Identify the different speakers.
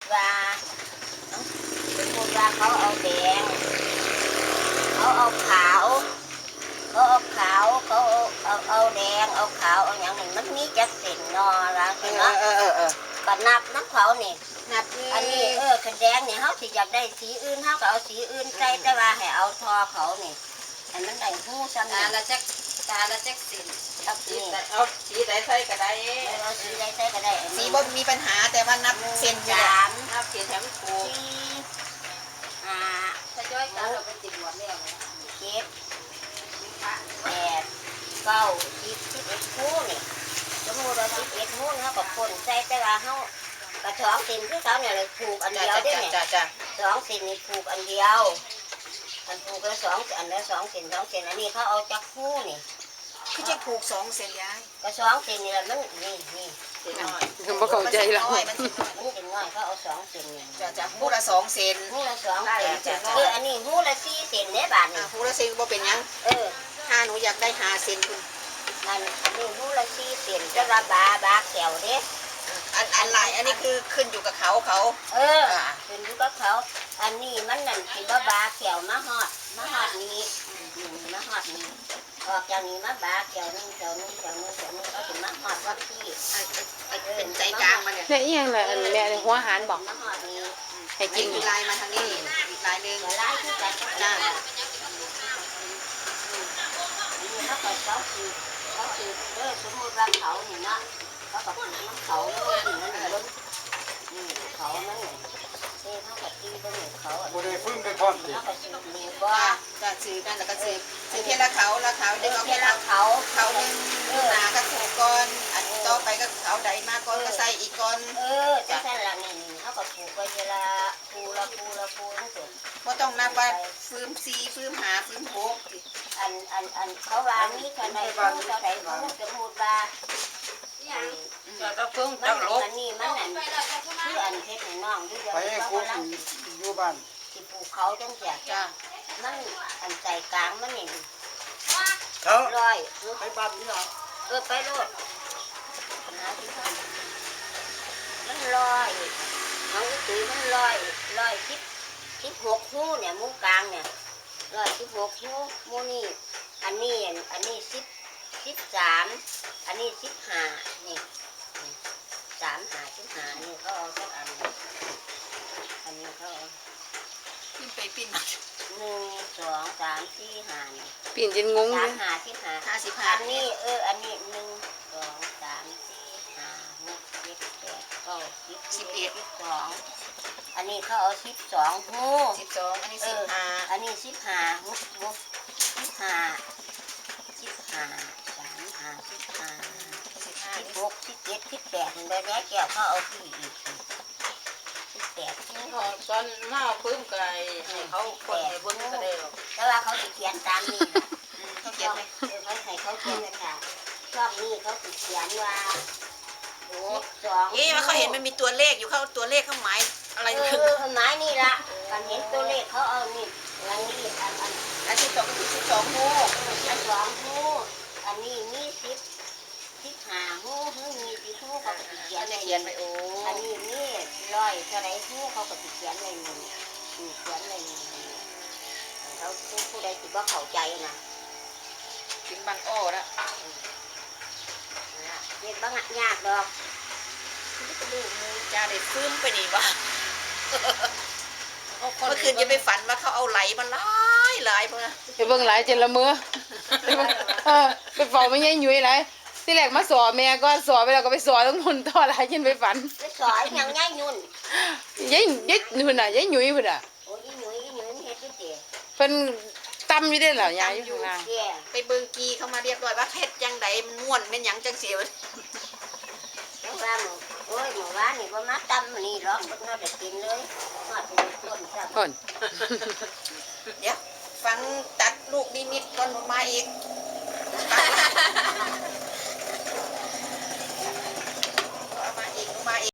Speaker 1: ว่าสมมติว่าเขาเอาแดงเขาเอาขาวเขาเอาขาวเขาเอาแดงเอาขาวเอาอย่างนี้มันมีจักเส้นนอละเห็นไหมก็นับน้ำเขานี่นับอันนี้ขันแดงนี่เขาสิอยากได้สีอื่นเขาก็เอาสีอื่นใส่แต่ว่าให้เอาทอเขานี่อันนั้นได้หู้ซ้ำ
Speaker 2: ตา
Speaker 1: นี่
Speaker 2: ละจักสิน
Speaker 1: เอาสี
Speaker 2: เอาสีใดใส่ก็ได้
Speaker 1: เอาสีใดใส่ก็ได้
Speaker 3: สีบ่มีปัญหาแต่ว่านับเส้นอยู่
Speaker 1: สาม
Speaker 2: นับเขียนแถมถูก
Speaker 1: สี่ห้า
Speaker 2: ถ้าจ้อยตาเราไปติดหัวแล้ว
Speaker 1: เจ็ดแปดเก้า11หู้นี่สมมติว่า11หู้เขาก็คนใส่แต่ว่าเขากระชอกสินที่เขาเนี่ยเลยผูกอันเดียวได้ไหม
Speaker 3: จ้า
Speaker 1: สองสินนี่ผูกอันเดียวอันผูกละ2 อันละ2 สิน2 สินอันนี้เขาเอาจากหู้นี่
Speaker 3: คือจะผูก2 เส้นยาย
Speaker 1: กระสองสินนี่แหละมันนี่
Speaker 2: เสียน้อย
Speaker 4: ผมบ่เข้าใจแล้ว
Speaker 3: มันสิน้อย
Speaker 1: มันสิน้อยเขาเอา2 สินนี่
Speaker 3: จ้าหูละ2 เส้น
Speaker 1: หู้ละ2 สินอันนี้หู้ละ4 สินเนี่ยบาทนี่
Speaker 3: หูละเส้นบ่เป็นหยัง ถ้าหนูอยากได้5 เส้นคุณ
Speaker 1: อันนี้หู้ละ4 สินจะว่าบาแก้วเด้
Speaker 3: อันหลายอันนี้คือขึ้นอยู่กับเขา
Speaker 1: ขึ้นอยู่กับเขาอันนี้มันนั่นสิบ่บาแก้วมาฮอดนี้มาฮอดนี้ออกจากนี้มาบาแก้วนึงเขาสิมาฮอดวัดที่
Speaker 3: เป็นใจกลางมันเนี่ย
Speaker 4: เนี่ยอีหยังล่ะอันแม่หัวหารบอก
Speaker 1: มาฮอดนี้
Speaker 4: ให้กิน
Speaker 3: มีลายมาทางนี้อีกลายนึง
Speaker 1: จะไล่ที่กัน
Speaker 3: จ้า
Speaker 1: เขาคือสมมติว่าเขาเนี่ยเนาะเขาก็ผูกน้ำเขาแล้วก็ตีนั่นเลยเขานั่นเลยเขาก็ตีตรงนี้เขา
Speaker 5: บ่ได้พึ่งได้พร้อมสิ
Speaker 1: เขาก็ซื้อมีบ่
Speaker 3: จ้าซื้อกันแล้วก็ซื้อเพียงละเขาดึงเอา
Speaker 1: เว
Speaker 3: แค่
Speaker 1: ลา
Speaker 3: เขา
Speaker 1: เขา
Speaker 3: นึงหนาก็ถูกก่อนอันต่อไปก็เขาใดมาก่อนก็ใส่อีกก่อน
Speaker 1: จะใช่ละนี่เขาก็ผูกไว้เวลาคูนั่นสิ
Speaker 3: บ่ต้องนับว่าฟื้ม4ฟื้ม5ฟื้ม6
Speaker 1: อันเขาว่ามีเท่าใดเขาเท่าใดเขาสมมติว่า
Speaker 2: เราต้องเพิ่ง
Speaker 1: มั
Speaker 2: ต้
Speaker 1: น
Speaker 2: องลบ
Speaker 1: อันนี้มันอันคืออันเพชรในน้องอยู่เดียว
Speaker 5: ไปให้
Speaker 1: เขา
Speaker 5: ครู
Speaker 1: กำลัง
Speaker 5: อยู่บ้าน
Speaker 1: สิปลูกเขาจังเสีย
Speaker 3: จ้า
Speaker 1: มันอันใจกลางมันนี่
Speaker 5: เขา
Speaker 1: ร้อย
Speaker 5: ไปบ้านนี่เหรอ
Speaker 1: ไปโลดนะที่พ่อมันร้อยน้องตุ้ยมันร้อย16หู้เนี่ยมุ้งกลางเนี่ย16หู้มูนี่อันนี้13อันนี้15นี่3 5 15นี่เขาเอาสักอันอันนี้เขาเอา
Speaker 3: ปิ้นไปปิ้นมา
Speaker 1: 1 2 3 4 5นี่
Speaker 4: ปีนจนงงเลย
Speaker 1: 3 5 15อันนี้อันนี้1 2 3 4 5 6 7 8 9 10 11 12อันนี้เขาเอา12หู้
Speaker 3: 12อันนี้15
Speaker 1: อันนี้15หู้16 17 18นี่ได้แม่แก้วเขาเอาที่อีก18
Speaker 2: ตอนมาเพิ่มไก่ให้เขาคนให้เพิ่งก็ได้หรอก
Speaker 1: แต่ว่าเขาสิเขียนตามนี่นะ
Speaker 3: เขาเขียนไหม
Speaker 1: เขาให้เขาเขียนเลยค่ะช่องนี้เขาสิเขียนว่า12
Speaker 3: ว่าเขาเห็นมันมีตัวเลขอยู่เขาตัวเลขเขาหมายอะไรคือ
Speaker 1: ไม้นี่ละกันเห็นตัวเลขเขาเอานี่อันนี้
Speaker 3: อันที่ตกคือ12หู
Speaker 1: อัน2หูอันนี้มี15หูมี10หูเขาก็สิเขีย
Speaker 3: อั
Speaker 1: น
Speaker 3: น
Speaker 1: ไว้
Speaker 3: นี้เขียนไปโอ้
Speaker 1: อันนี้มี100เท่าไรหูเขาก็สิเขียนไว้นี่เขียนไว้นี่เขาผู้ใดสิบ่เข้าใจนะ
Speaker 3: ถึงบางอ้อแล้ว
Speaker 1: เด็กบ้างยากดอก
Speaker 3: จ้าได้ฟื้นไปนี่วะเมื่อคืนจะไปฝันว่าเขาเอาไหลมาหลายเพื่อ
Speaker 4: ไปเบิ่งหลายจนละเมือไปเบิ่งไปเฝ้าไม่ยายหยุ่ยหลายที่แรกมาสอแม่ก็สอไปแล้วก็ไปสอต้องคนต่อหลายจนไปฝัน
Speaker 1: ไปสอยยังง่ายยุ่น
Speaker 4: ยายนู่นน่ะยายหยุ่ยพุ่นน่ะ
Speaker 1: โอ้ยหนุ่ยเฮ็ดเตี๋ย
Speaker 4: เพิ่นตำอยู่ได้เหรอยายอยู่ข้างล่าง
Speaker 1: เตี๋ย
Speaker 3: ไปเบิงกีเขามาเรียบร้อยว่าเพชรยังไดมันม่วนเป็นหยังจังเสียว
Speaker 1: แล้วว่าหมูโอ้ยหมูว่านี่บ่มาตำนี่หรอกบ่น่าจะกินเลยมาเป็นต้นซะ
Speaker 4: พ่น
Speaker 3: เดี๋ยวฟังตัดลูกนิมิตก่อนมาอีก